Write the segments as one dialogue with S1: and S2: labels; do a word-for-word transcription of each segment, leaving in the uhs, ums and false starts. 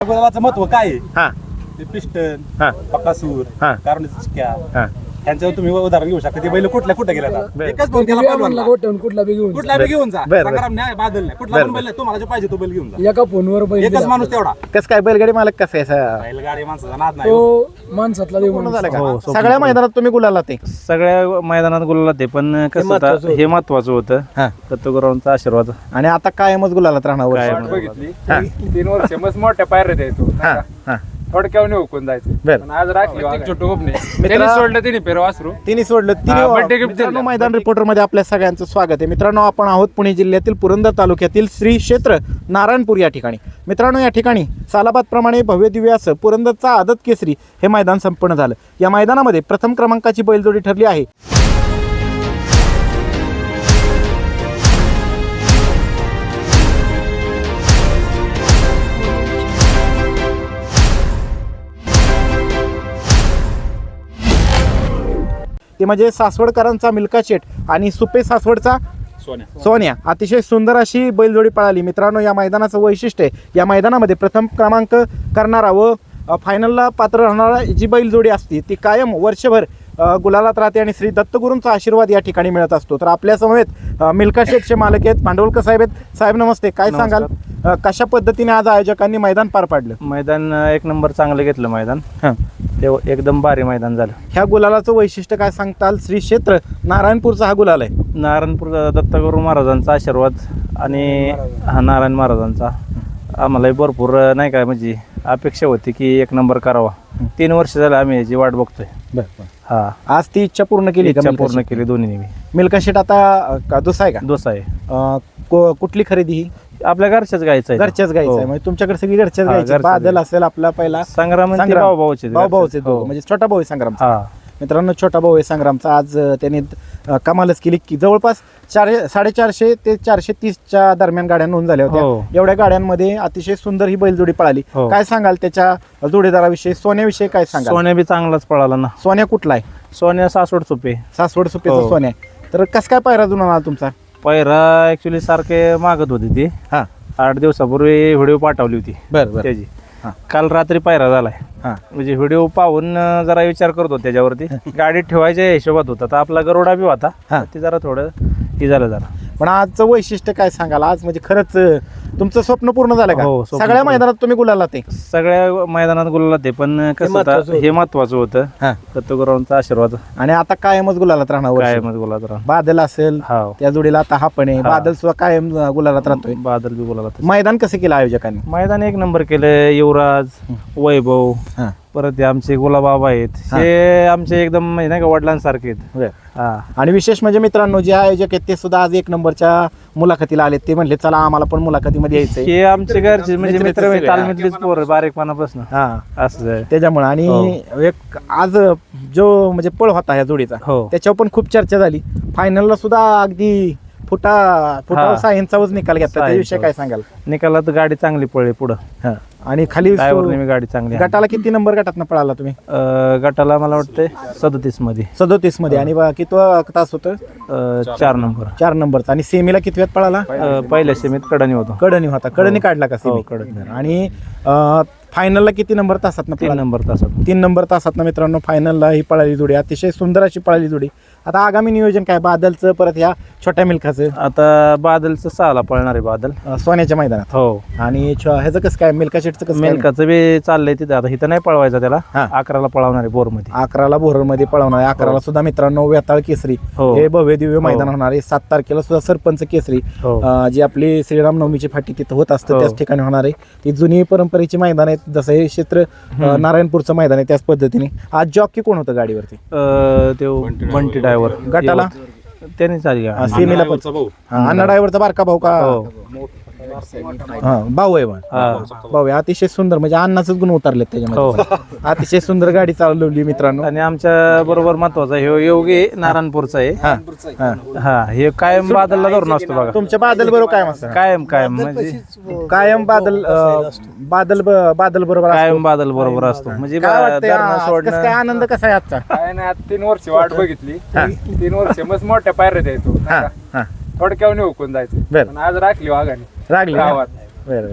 S1: गुलाबाचं महत्व काय आहे?
S2: हा
S1: ते पिस्टन,
S2: हा
S1: बकासूर,
S2: हा.
S1: कारणीचा चिक्या
S2: हा
S1: यांच्यावर तुम्ही उदाहरण घेऊ शकता. ते बैल कुठल्या कुठे गेला
S2: बरं.
S1: एकच फोन केला पहिलवानला.
S3: कुठला बी घेऊन
S1: कुठला बी घेऊन जा.
S2: बरं, बरं.
S1: संग्राम नाही, बादल नाही, कुठला पण बैल आहे, तुम्हाला जो पाहिजे तो बैल घेऊन जा.
S3: एका फोनवर बैल
S1: एकच
S3: दिला.
S1: माणूस तेवढा.
S2: कसं काय बैलगाडी मालक कसं आहे असं?
S1: बैलगाडी माणसाचा नाद नाही.
S3: तो माणसातला देव
S2: पूर्ण
S3: माणूस.
S2: झालं
S4: हो,
S2: का सगळ्या मैदानात तुम्ही गुलाला ते
S4: सगळ्या मैदानात गुलाला ते पण कसं
S3: महत्वाचं
S4: होतं
S3: होतं.
S4: हे महत्वाचं होतं
S2: हा
S4: दत्तगुरावांचा आशीर्वाद
S2: आणि आता कायमच गुलालात राहणार वर्ष.
S4: कायम.
S5: बघितली
S2: हा.
S5: तीन वर्ष मस्त मोठ्या पायऱ्या द्यायचो
S2: हा हा
S5: थोडक्यावर हुकून जायचं
S2: बर.
S5: पण आज राखली छोटं गोपने
S2: मित्रा-
S5: त्यांनी सोडलं तिने पेर वासरू
S2: तिने सोडलं
S5: हा,
S2: तिने
S5: birthday gift
S2: मित्रांनो
S5: दिलं.
S2: मैदान रिपोर्टर मध्ये आपल्या सगळ्यांचं स्वागत आहे. मित्रांनो आपण आहोत पुणे जिल्ह्यातील पुरंदर तालुक्यातील श्री क्षेत्र नारायणपूर या ठिकाणी. मित्रांनो या ठिकाणी सालाबाद प्रमाणे भव्य दिव्य असं पुरंदरचा आदत केसरी हे मैदान संपन्न झालं. या मैदानामध्ये प्रथम क्रमांकाची बैलजोडी ठरली आहे. ते म्हणजे सासवडकरांचा मिल्का शेठ आणि सुपे सासवडचा
S1: सोन्या
S2: सोन्या. अतिशय सुंदर अशी बैलजोडी पळाली. मित्रांनो या मैदानाचं वैशिष्ट्य आहे या मैदानामध्ये प्रथम क्रमांक करणारा व अ, फायनलला पात्र राहणारा जी बैलजोडी असते ती कायम वर्षभर अ, गुलालात राहते आणि श्री दत्तगुरूंचा आशीर्वाद या ठिकाणी मिळत असतो. तर आपल्या समवेत अ, मिल्का शेठचे मालक आहेत भांडवलकर साहेब आहेत. साहेब नमस्ते. काय सांगाल अ, कशा पद्धतीने आज आयोजकांनी मैदान पार पाडलं?
S4: मैदान अं, एक नंबर चांगलं घेतलं मैदान
S2: हां
S4: ते एकदम भारी मैदान झालं.
S2: ह्या गुलालाचं वैशिष्ट्य काय सांगताल? श्री क्षेत्र नारायणपूरचा हा गुलाल आहे.
S4: नारायणपूर दत्तगुरू महाराजांचा आशीर्वाद आणि हा नारायण महाराजांचा आम्हालाही भरपूर अं, नाही काय म्हणजे अपेक्षा होती की एक नंबर करावा. तीन वर्ष झालं आम्ही याची वाट बघतोय. हा
S2: आज ती इच्छा पूर्ण केली का
S4: इच्छा
S2: मिल्का
S4: पूर्ण
S2: शेठ?
S4: केली दोन्ही
S2: मिल्का शेठ आता अ, का दुसरा आहे का?
S4: दोसा आहे
S2: अ, को- कुठली खरेदी ही?
S4: आपल्या घरच्याच गायचं आहे.
S2: घरच्याच गायचं आहे
S4: हो.
S2: म्हणजे तुमच्याकडे सगळी घरच्याच
S4: हा,
S2: गायची.
S4: घरच्याच
S2: बादल
S4: गायची.
S2: असेल आपला पहिला
S4: संग्राम आणि ते
S2: संग्राम.
S4: भाऊभाऊचे
S2: भाऊ भाऊचे
S4: घरचे. हो.
S2: म्हणजे छोटा भाऊ आहे संग्रामचा.
S4: हा
S2: मित्रांनो छोटा भाऊ आहे संग्रामचा. आज अ, त्याने अ, कमालच केली की जवळपास चार साडेचारशे ते चारशे तीसच्या दरम्यान गाड्या नोंद झाल्या
S4: हो.
S2: होत्या. एवढ्या गाड्यांमध्ये अतिशय सुंदर ही बैलजोडी पळाली.
S4: हो.
S2: काय सांगाल त्याच्या जोडीदाराविषयी? सोन्याविषयी काय सांगाल?
S4: सोन्या बी चांगलाच पळाला ना.
S2: सोन्या कुठला आहे?
S4: सोन्या सासवड सुपे.
S2: सासवड सुपेचा
S4: हो.
S2: सोन्या आहे. तर कसं काय पायरा जुना आला तुमचा?
S4: पहिरा ऍक्च्युली सारखे मागत होती ती.
S2: हा
S4: आठ दिवसापूर्वी व्हिडिओ पाठवली होती
S2: बरं बरं
S4: त्याची.
S2: हा.
S4: काल रात्री पायरा झालाय.
S2: हा
S4: म्हणजे व्हिडिओ पाहून अं, जरा विचार करत होतो त्याच्यावरती गाडीत ठेवायच्या हिशोबात होता. तर आपला गरोडा बी होता.
S2: हा.
S4: तर ते जरा थोडं हे झालं जरा.
S2: पण आजचं वैशिष्ट्य काय सांगाल? आज म्हणजे खरंच अ, तुमचं स्वप्न पूर्ण झालं का?
S4: हो, स्वप्न
S2: सगळ्या
S4: पूर्ण.
S2: मैदानात तुम्ही गुलाला ते
S4: सगळ्या मैदानात गुलाला ते पण कसं
S3: महत्वाचं
S4: होतं
S3: होतं.
S4: हे महत्वाचं होतं
S2: हा
S4: दत्तगुरावांचा आशीर्वाद
S2: आणि आता कायमच गुलालात राहणार वर्ष.
S4: कायमच गुलाला राहा.
S2: बादल असेल
S4: हा
S2: त्या जोडीला आता हा पण आहे.
S4: हा.
S2: बादल सुद्धा कायम अ, गुलालात राहतोय.
S4: बादल बी गुलाला.
S2: मैदान कसं केलं आयोजकांनी?
S4: मैदान एक नंबर केलं. युवराज, वैभव,
S2: हा
S4: परत हे आमचे गुलाबाबा आहेत.
S2: हा.
S4: हे आमचे एकदम म्हणजे नाही का वडिलांसारखे आहेत.
S2: बरं.
S4: हा
S2: आणि विशेष म्हणजे मित्रांनो जे आयोजक आहेत ते सुद्धा आज एक नंबरच्या मुलाखतीला आले. ते म्हणले चला आम्हाला पण मुलाखतीमध्ये यायचंय.
S4: हे आमचे घरचे म्हणजे
S2: मित्र
S4: मित्र
S2: सगळे.
S4: तालमीतलीच पोरं बारीकपणापासून
S2: हा
S4: असं आहे.
S2: त्याच्यामुळे आणि एक आज जो म्हणजे पळ होता ह्या जोडीचा
S4: हो.
S2: त्याच्यावर पण खूप चर्चा झाली. फायनलला सुद्धा अगदी फुटा फुटा
S4: हा.
S2: सहा इंचावरच निकाल घेतला.
S4: सहा
S2: त्याविषयी काय
S4: इंचावर.
S2: सांगाल?
S4: निकालात गाडी चांगली पळली पुढं.
S2: हा. आणि खाली
S4: ड्रायव्हर नेहमी गाडी चांगली आहे.
S2: गटाला किती नंबर गटात पळाला तुम्ही?
S4: अं, गटाला मला वाटतं सदतीस मध्ये
S2: सदोतीस मध्ये. आणि बा- किती तास होतं?
S4: अं, चार नंबर.
S2: चार नंबरचा. आणि सेमीला किती वेळात पळाला?
S4: अं, पहिल्या सेमीत कडणी होतो.
S2: कडणी होता. कडणी
S4: हो.
S2: काढला का
S4: हो,
S2: सेमी?
S4: कडणी.
S2: आणि फायनलला किती नंबर तासात
S4: तीन नंबर तासात.
S2: तीन नंबर तासात मित्रांनो फायनलला ही पळाली जोडी. अतिशय सुंदर अशी पळाली जोडी. आता आगामी नियोजन काय बादलचं परत ह्या छोट्या मिल्खाचं
S4: आता बादलचं सहाला पळणार आहे बादल.
S2: अं, सोन्याच्या मैदानात?
S4: हो.
S2: आणि छ- ह्याचं कसं काय मिल्का शेटचं कसं काय?
S4: मेलकाचं बी चाललंय तिथं. आता इथं नाही पळवायचा त्याला.
S2: हा.
S4: अकराला पळवणार आहे बोर मध्ये.
S2: अकराला बोरमध्ये पळवणार आहे. अकराला सुद्धा मित्रांनो वेताळ केसरी
S4: हो.
S2: हे भव्य दिव्य मैदान
S4: हो.
S2: होणार आहे. सात तारखेला सुद्धा सरपंच केसरी
S4: हो.
S2: अं, जी आपली श्रीराम नवमीची फाटी तिथं होत असतं
S4: हो.
S2: त्याच ठिकाणी होणार आहे. ती जुनी परंपरेची मैदान आहेत. जसं हे क्षेत्र अं, नारायणपूरचं मैदान आहे त्याच पद्धतीने. आज जॉकी कोण होतं गाडीवरती?
S4: अं, तो बंटी ड्रायव्हर.
S2: गटाला?
S4: त्याने चालली
S2: अं,
S4: गाडी.
S2: सेमीला पण
S1: भाऊ
S2: हा, अण्णा ड्रायव्हरचा बारका भाऊ का?
S4: हो.
S2: हा भाऊ आहे बा.
S4: हा.
S2: भाऊ आहे. अतिशय सुंदर म्हणजे अण्णाचंच गुण उतरलेत त्याच्यामध्ये. अतिशय सुंदर गाडी चालवली मित्रांनो.
S4: आणि आमच्या बरोबर महत्वाचा हे योगी नारायणपूरचा आहे.
S2: हा हा.
S4: हा हे कायम बादलला धरून असतो बघा.
S2: तुमच्या बादल बरोबर काय मस्त
S4: कायम कायम म्हणजे
S2: कायम बादल अं, बादल ब- बादल बरोबर असतो.
S4: कायम बादल बरोबर असतो. म्हणजे
S2: काय वाटतंय
S4: धरणं
S2: आज कसं
S4: सोडणं.
S2: काय आनंद कसा आहे आजचा?
S5: काय नाही आता तीन वर्ष वाट बघितली
S2: हा.
S5: तीन वर्ष मस्त मोठ्या पायऱ्या द्यायचो
S2: हा हा
S5: थोडक्यावर हुकून जायचं
S2: बर.
S5: पण आज राखली वाघाने
S2: रागली ना?
S5: गावात.
S2: बरं बरं.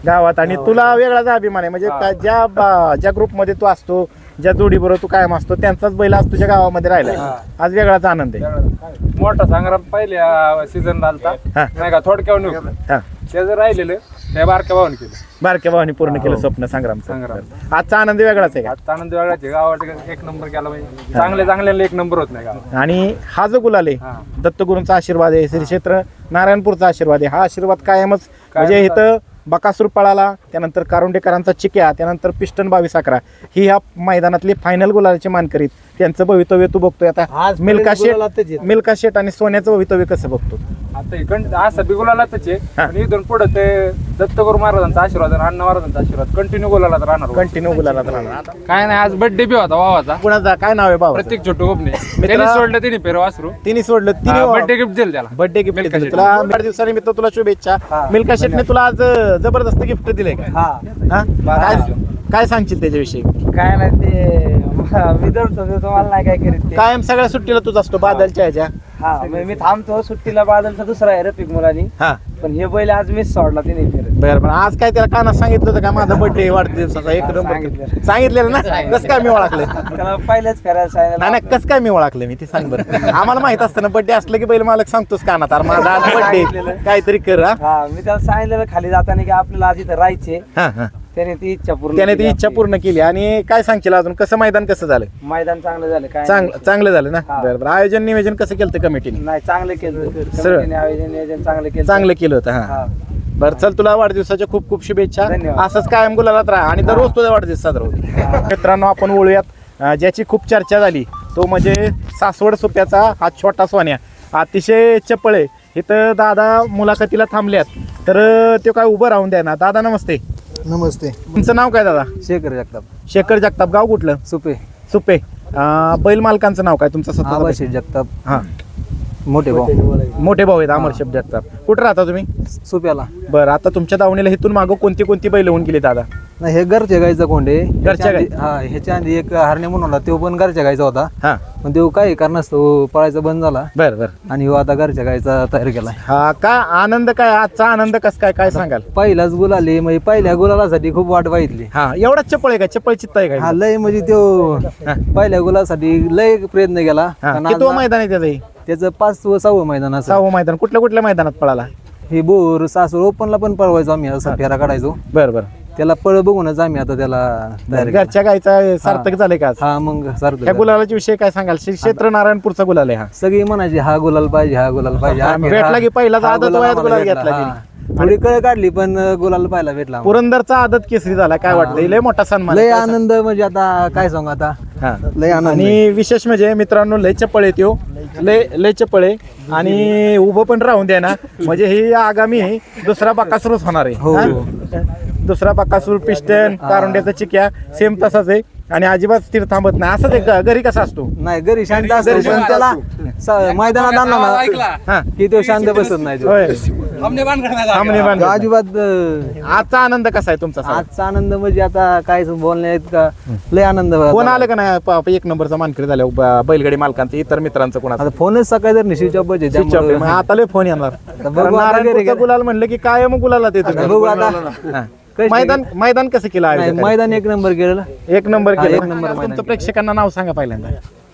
S2: गावात आणि तुला वेगळाच अभिमान आहे म्हणजे काय ज्या बा- ज्या ग्रुपमध्ये तू असतो ज्या जोडीबरोबर तू कायम असतो त्यांचाच बैल आज तुझ्या गावामध्ये राहिला आज वेगळाच आनंद आहे.
S5: मोठा संग्राम पहिल्या सीझन झालता
S2: हा.
S5: नाही का थोडक्यावर निघलं
S2: हा
S5: ते जर राहिलेलं त्या बारक्या भावाने केलं.
S2: बारक्या भावानी पूर्ण केलं स्वप्न संग्रामचं.
S5: संग्राम.
S2: आजचा आनंद वेगळाच आहे का?
S5: आता आनंद वेगळाच आहे. गावात एक नंबर केला पाहिजे चांगले चांगल्याला एक नंबर होत नाही गावात.
S2: आणि हा जो गुलाल
S5: हा.
S2: आहे दत्तगुरूंचा आशीर्वाद आहे श्री क्षेत्र नारायणपूरचा आशीर्वाद आहे हा आशीर्वाद कायमच म्हणजे इथं बकासूर पळाला त्यानंतर कारुंडेकरांचा चिक्या त्यानंतर पिस्टन बावीस अकरा ही ह्या मैदानातली फायनल गुलालाचे मानकरीत त्यांचं भवितव्य तू बघतोय आता मिल्का शेट मिल्का शेट आणि सोन्याचं भवितव्य कसं बघतो?
S5: आता इकडं असं बी गुलालातच आहे
S2: हा.
S5: पण इथून पुढे ते दत्तगुरू महाराजांचा आशीर्वाद आणि अण्णा महाराजांचा आशीर्वाद कंटिन्यू गुलालात राहणार.
S2: कंटिन्यू गुलालात राहणार.
S5: काय नाही आज बर्थडे बी होता भावाचा
S2: कुणाचा काय नाव आहे बाबा?
S5: प्रत्येक छोटू गोपने त्यांनी सोडलं तिने पेरो वासरू
S2: तिने सोडलं
S5: बर्थडे
S2: तिने
S5: गिफ्ट दिलं त्याला.
S2: बर्थडे गिफ्ट
S5: मिल्का शेट.
S2: तुला वाढदिवसानिमित्त तुला शुभेच्छा. मिल्का शेटने तुला आज अं, जबरदस्त गिफ्ट दिले का? हा? काय काय सांगशील त्याच्याविषयी?
S6: काय नाही ते मी धरतो ते तुम्हाला नाही काय करीत ते.
S2: कायम सगळ्या सुट्टीला तुझ असतो बादलच्या ह्याच्या.
S6: हा मग मी थांबतो सुट्टीला बादलचा दुसरा आहे रफिक मुलानी
S2: हा
S6: पण हे बैल आज मिस सोडला तिने फिरत.
S2: बरं पण आज काय त्याला कानात सांगितलं होतं का माझा बर्थडे वाढदिवसाचा एक
S6: हा,
S2: नंबर
S6: सांगितलं.
S2: सांगितलेलं ना कसं काय मी ओळखलं?
S6: त्याला पहिल्याच फेरायला
S2: नाही
S6: सांगितलं.
S2: नाही कसं काय मी ओळखलं मी ते सांग बरं. आम्हाला माहित असतं ना बर्थडे असलं की बैल मालक सांगतोस कानात अरे माझा आज बर्थडे काहीतरी कर हा
S6: हा मी त्याला सांगितलेलं खाली जाताना की आपल्याला आज इथं राहायचे
S2: हा हा
S6: त्याने ती इच्छा पूर्ण
S2: त्याने ती
S6: केली
S2: इच्छा
S6: आपली.
S2: पूर्ण केली. आणि काय सांगशील अजून कसं मैदान कसं झालं?
S6: मैदान चांगलं झालं काय
S2: चांग
S6: नाही.
S2: चांगलं झालं ना
S6: हा.
S2: बरं बरं आयोजन नियोजन कसं केलं कमिटीने?
S6: नाही चांगलं केलं
S2: सरळ.
S6: कमिटीने आयोजन नियोजन चांगलं केलं
S2: चांगलं केलं होतं हा
S6: हा
S2: बरं चल तुला वाढदिवसाच्या खूप खूप शुभेच्छा.
S6: धन्यवाद.
S2: असंच कायम गुलालात राहा आणि दररोज तुझा वाढदिवस साजरा होतो. मित्रांनो आपण वळूयात अं, ज्याची खूप चर्चा झाली तो म्हणजे सासवड सोप्याचा हा छोटा सोन्या अतिशय चपळ आहे. इथं दादा मुलाखतीला थांबल्यात तर अं, तो काय उभं राहून द्या ना. दादा नमस्ते.
S3: नमस्ते.
S2: तुमचं नाव काय दादा?
S6: शेखर जगताप
S2: शेखर जगताप. गाव कुठलं?
S6: सुपे
S2: सुपे. अं, बैल मालकांचं नाव काय तुमचं स्वतःचं?
S6: आबाशी जगताप
S2: हा
S6: मोठे भाऊ
S2: मोठे भाऊ आहेत अमरशेप जगताप. कुठं राहता तुम्ही?
S6: सुप्याला
S2: बरं आता तुमच्या दावणीला इथून मागं कोणती कोणती बैल होऊन गेली दादा?
S6: नाही हे घरच्या गाईचा कोंडे
S2: घरच्या गाई?
S6: हा ह्याच्या आधी एक हरणे म्हणून होता तो पण घरच्या गाईचा होता
S2: हा
S6: पण तो काही कारणास्तव पळायचा बंद झाला
S2: बरं बरं.
S6: आणि ह्यो आता घरच्या गाईचा तयार केलाय.
S2: हा काय आनंद काय आजचा आनंद कस काय काय सांगाल?
S6: पहिलाच गुलाले म्हणजे पहिल्या गुलालासाठी खूप वाट बघितली.
S2: हा एवढाच चपळ आहे का? चपळ चित्त आहे
S6: हा
S2: का?
S6: लय म्हणजे तो पहिल्या गुलासाठी लय प्रयत्न केला
S2: हा
S6: पण
S2: किती
S6: आज
S2: मैदान आहे त्याचं? हे
S6: त्याचं पाच व सहावं मैदान असं
S2: सहावं मैदान. कुठल्या कुठल्या मैदानात पळाला?
S6: हे बोर सासूर ओपनला पण पळवायचो आम्ही असा फेरा काढायचो
S2: बरं बरं.
S6: त्याला पळ बघूनच आम्ही आता त्याला तयार केलं.
S2: घरच्या गायचा सार्थक झाले का आज?
S6: हा मग सारखं
S2: ह्या गुलालाच्या विषयी काय सांगाल? श्री क्षेत्र नारायणपूरचा गुलाल आहे हा.
S6: सगळी म्हणायची हा गुलाल पाहिजे हा गुलाल पाहिजे
S2: हा,
S6: आम्ही
S2: भेटला
S6: हा-
S2: की पहिलाच
S6: हा
S2: आदत
S6: गुलाल
S2: वयात
S6: आम्हाला
S2: गुलाल
S6: भेटला.
S2: घेतला
S6: हा. थोडी कळ काढली पण गुलाल पाहायला भेटला आम्हाला.
S2: पुरंदरचा आदत केसरी झाला काय वाटतं? लय मोठा सन्मान
S6: लय
S2: आहे.
S6: आनंद म्हणजे आता काय सांगू आता
S2: हा.
S6: लय आनंद आहे.
S2: आणि विशेष म्हणजे मित्रांनो लय चपळ आहे त्यो लय लय चपळ आहे आणि उभं पण राहून द्या ना म्हणजे ही आगामी दुसरा बकासूरच होणार आहे.
S6: हो.
S2: हा? दुसरा बकासूर पिस्टन कारुंड्याचा चिक्या सेम तसाच आहे आणि अजिबात स्थिर थांबत नाही. असंच आहे घरी कसा असतो?
S6: नाही घरी शांत असतो पण त्याला स- मैदानात आणला ना
S2: हा
S6: की तो शांत बसत नाही तो.
S2: होय
S1: थांबणे बांध करण्यात आला.
S2: थांबणे बांध.
S6: तो अजिबात अं,
S2: आजचा आनंद कसा आहे तुमचा? सांगा.
S6: आजचा आनंद म्हणजे आता काय बोलण्यात का लय आनंद
S2: फोन
S6: झाला.
S2: आलं का नाही प- प- एक नंबरचा मानकरी झाल्या ब- बैलगाडी मालकांचा इतर मित्रांचं कोणाचा?
S6: आता फोनच सकाळी जर निश्चित पाहिजे
S2: स्विच ऑफ आहे. मग आता लय फोन येणार
S6: बघू
S2: कारण
S6: आता घरी
S2: नारायणपूरचा
S6: गेलं.
S2: गुलाल म्हणलं की काय मग गुलाला देतो
S6: बघू आता
S2: हा.
S6: कशी-
S2: मैदान मैदान कसं केलं
S6: नाही,
S2: आयोजकांनी?
S6: मैदान एक नंबर केलेलं
S2: एक नंबर
S6: हा,
S2: केलं.
S6: एक नंबर मैदान
S2: तुमचं प्रेक्षकांना नाव सांगा पहिल्यांदा.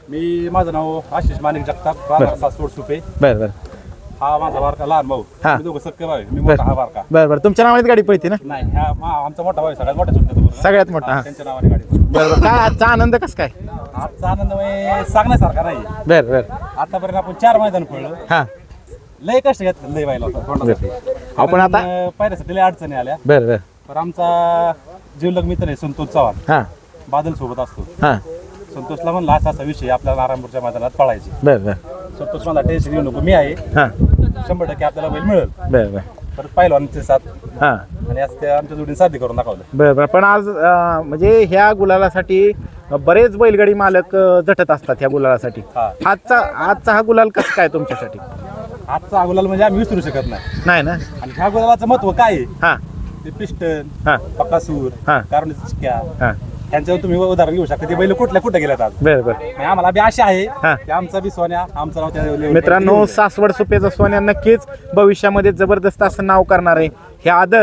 S1: मी माझं नाव आशिष माणिक जगताप राहणार सासवड सुपे.
S2: बरं बरं
S1: हा माझा बारका लहान भाऊ.
S2: हा.
S1: मी दोघं सक्के भाऊ आहे. मी मोठा हा बारका.
S2: बरं बरं तुमच्या नावाने गाडी पळते ना?
S1: नाही हा मा- आमचा मोठा भाऊ आहे, सगळ्यात मोठा सुट्ट्या
S2: सगळ्यात मोठा हा.
S1: त्यांच्या नावाने गाडी.
S2: बरं बरं काय आजचा आनंद कसं काय?
S1: आजचा आनंद म्हणजे सांगण्यासारखा नाही.
S2: बरं बरं
S1: आतापर्यंत आपण चार मैदान पडलो.
S2: हा
S1: लय कष्ट घेतलं लय व्हायला होता तोंडासाठी.
S2: आपण आता-
S1: कारण, पायऱ्यासाठी लय अडचणी आल्या.
S2: बरं बरं
S1: पण आमचा जीवलग मित्र आहे संतोष चव्हाण.
S2: हा
S1: बादल सोबत असतो.
S2: हा
S1: संतोषला म्हणला असा असा विषय आपल्या नारायणपूरच्या मैदानात पळायचे.
S2: बरं बरं
S1: संतोष मला टेन्शन घेऊ नको मी आहे
S2: हा
S1: शंभर टक्के आपल्याला बैल मिळेल.
S2: बरं बरं
S1: परत पहिलवानचे साथ
S2: हा
S1: आणि आज ते आमच्या जोडीने साध्य करून दाखवलं.
S2: बरं बरं पण आज अं, म्हणजे ह्या गुलालासाठी बरेच बैलगाडी मालक अं, झटत असतात ह्या गुलालासाठी.
S1: हा.
S2: आजचा आजचा हा गुलाल कसं काय तुमच्यासाठी?
S1: आजचा गुलाल म्हणजे आम्ही विसरू शकत नाही.
S2: नाही ना?
S1: आणि ह्या गुलालाचं महत्व काय आहे?
S2: हा
S1: ते पिस्टन
S2: हा
S1: पकासूर
S2: हा.
S1: कारण चिक्या
S2: हा
S1: ह्यांच्यावर तुम्ही उदाहरण घेऊ शकता. ते बैल कुठल्या कुठे गेल्यात आज.
S2: बरं बरं
S1: आणि आम्हाला बी आशा आहे
S2: हा.
S1: की आमचा बी सोन्या आमचं नाव त्या level
S2: मित्रांनो
S1: वर
S2: सासवड सुपेचा सोन्या नक्कीच भविष्यामध्ये जबरदस्त असं नाव करणार आहे. हे आदत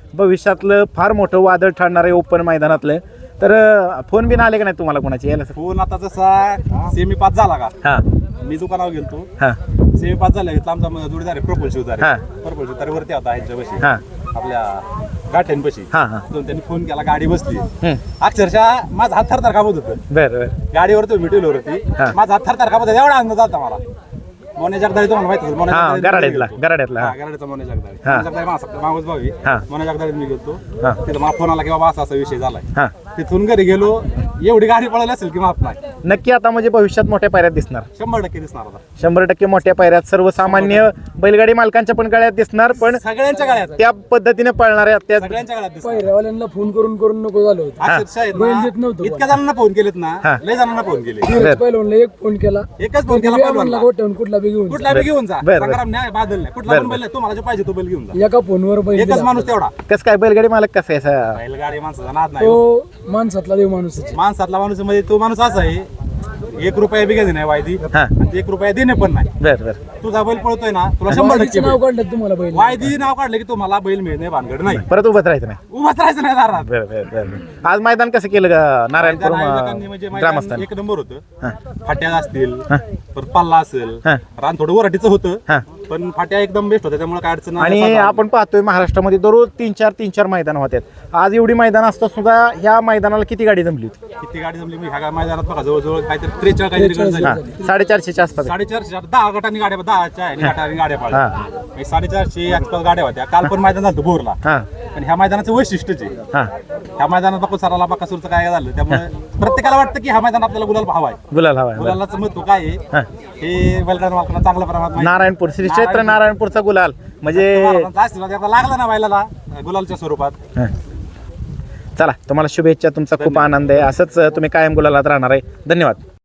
S2: भविष्यातलं फार मोठं वादळ ठरणार आहे ओपन मैदानातलं. तर अं, फोन बिन आले का नाही तुम्हाला कोणाचे यायला?
S1: फोन आता जसा सेमी पास झाला का
S2: हां
S1: मी दुकानावर गेलतो,
S2: हां
S1: सेमी पास झाला घेतला आमचा जोडीदार आहे प्रफुल्ल शिवदारे.
S2: हा.
S1: प्रफुल्ल शिवदारे वरती होता ह्यांच्यापाशी
S2: हां
S1: आपल्या गाठ्यांपाशी.
S2: हां हां
S1: तिथून त्यांनी फोन केला, गाडी बसली.
S2: हं.
S1: अक्षरशः माझा हात थरथर कापत होतं.
S2: बरं बरं
S1: गाडीवर तो मिटवलं होती,
S2: हा.
S1: माझा हात थरथर कापत होता. एवढा आनंद झाला मला. मोने जगदाळे तुम्हाला माहिती असेल, मोने
S2: हां
S1: जगदाळे
S2: गराड्यातला
S1: गेलतो.
S2: गराड्यातला
S1: हा,
S2: हां
S1: गराड्याचा मोने जगदाळे.
S2: हा.
S1: मोने जगदाळे माझा मागूस भाऊ आहे.
S2: हा.
S1: मोने जगदाळे मी गेलतो.
S2: हा.
S1: तिथं मला फोन आला की बाबा असा असा विषय झालाय.
S2: हां
S1: तिथून घरी गेलो, एवढी गाडी पळाली असेल की माफ नाही.
S2: नक्की आता म्हणजे भविष्यात मोठ्या पायऱ्यात दिसणार,
S1: शंभर टक्के दिसणार आता.
S2: शंभर टक्के मोठ्या पायऱ्यात सर्वसामान्य बैलगाडी मालकांच्या पण गळ्यात दिसणार, पण
S1: सगळ्यांच्या गाड्यात
S2: त्या पद्धतीने पळणाऱ्या त्या
S1: सगळ्यांच्या गाड्यात दिसणार.
S3: पहिऱ्यावाल्यांना फोन करून करून नको झालं होतं.
S1: अक्षरशः आहेत
S3: बैल
S1: ना,
S3: देत नव्हतं
S1: इतक्या जणांना फोन केलेत ना,
S2: हा.
S1: लय जणांना फोन केले.
S3: धीरज पहिलवानला एक फोन केला,
S1: एकच फोन केला
S3: म्हणला
S1: पहिलवानला.
S3: गोठ्याहून कुठला बी घेऊन
S1: कुठला बी घेऊन जा,
S2: बरं, बरं.
S1: संग्राम नाही, बादल नाही, कुठला
S2: बरं,
S1: पण बैल नाही, तुम्हाला जो पाहिजे तो बैल घेऊन जा.
S3: जा. एका फोनवर बैल
S1: एकच
S3: दिला.
S1: माणूस तेवढा.
S2: कसं काय बैलगाडी मालक कसं आहे असं?
S1: बैलगाडी माणसाचा नाद नाही हो.
S3: तो माणसातला देव माणूस आहे.
S1: माणसातला माणूस म्हणजे तो माणूस असा आहे, एक रुपया बी घ्यायची नाही वायदी
S2: हा.
S1: आणि एक रुपया देणे पण नाही.
S2: बरं बरं
S1: तुझा बैल पळतोय ना, तुला शंभर टक्के
S3: वायदीचं नाव
S1: बैल.
S3: काढलं तुम्हाला बैल.
S1: वायदी नाव काढलं की तुम्हाला बैल मिळणे भानगड नाही.
S2: परत उभंच राहायचं नाही.
S1: उभाच राहायचं नाही दारात.
S2: बरं बरं बरं बरं. आज मैदान कसं केलं का नारायणपूर
S1: मैदान आयोजकांनी म्हणजे मैदान
S2: ग्रामस्थान?
S1: एक नंबर
S2: हा.
S1: होतं. फाट्या असतील, परत पल्ला असेल,
S2: हा.
S1: रान थोडं वराटीचं
S2: हा.
S1: होतं, पण फाट्या एकदम बेस्ट होत्या, त्यामुळे काय अडचण नाही.
S2: आणि
S1: साधा-
S2: आपण पाहतोय महाराष्ट्रामध्ये दररोज तीन चार तीन चार मैदान होतात. आज एवढी मैदान असता सुद्धा ह्या मैदानाला किती गाडी जमली होती?
S1: किती गाडी जमली मी ह्या मैदानात बघा जवळजवळ काहीतरी त्रेचाळीस काहीतरी गाडी
S2: हा
S1: झाली.
S2: साडेचारशेच्या आसपास.
S1: साडेचारशे दहा गटांनी गाड्या दहाच्या आहे गटांनी गाड्या
S2: हा.
S1: पाळल्या. म्हणजे साडेचारशे आसपास गाड्या होत्या. काल पण मैदान झालं बोरला.
S2: हा
S1: पण ह्या मैदानाचं वैशिष्ट्यच आहे.
S2: हा
S1: ह्या मैदानात बापू सराला बाकासूरचं काय झालं, त्यामुळे प्रत्येकाला वाटतं की हा मैदान आपल्याला गुलाल हवा आहे.
S2: गुलाल हवा आहे.
S1: गुलालाचं महत्व काय
S2: हा.
S1: आहे हे बैलगाडी मालकांना चांगल्या प्रमाणात माहिती आहे.
S2: नारायणपूर श्री क्षेत्र नारायणपूरचा गुलाल म्हणजे
S1: महाराजांचा आशीर्वाद एकदा लागला ना बैलाला गुलालच्या स्वरूपात.
S2: हा. चला तुम्हाला शुभेच्छा. तुमचा खूप आनंद आहे. असंच तुम्ही कायम गुलालात राहणार आहे. धन्यवाद.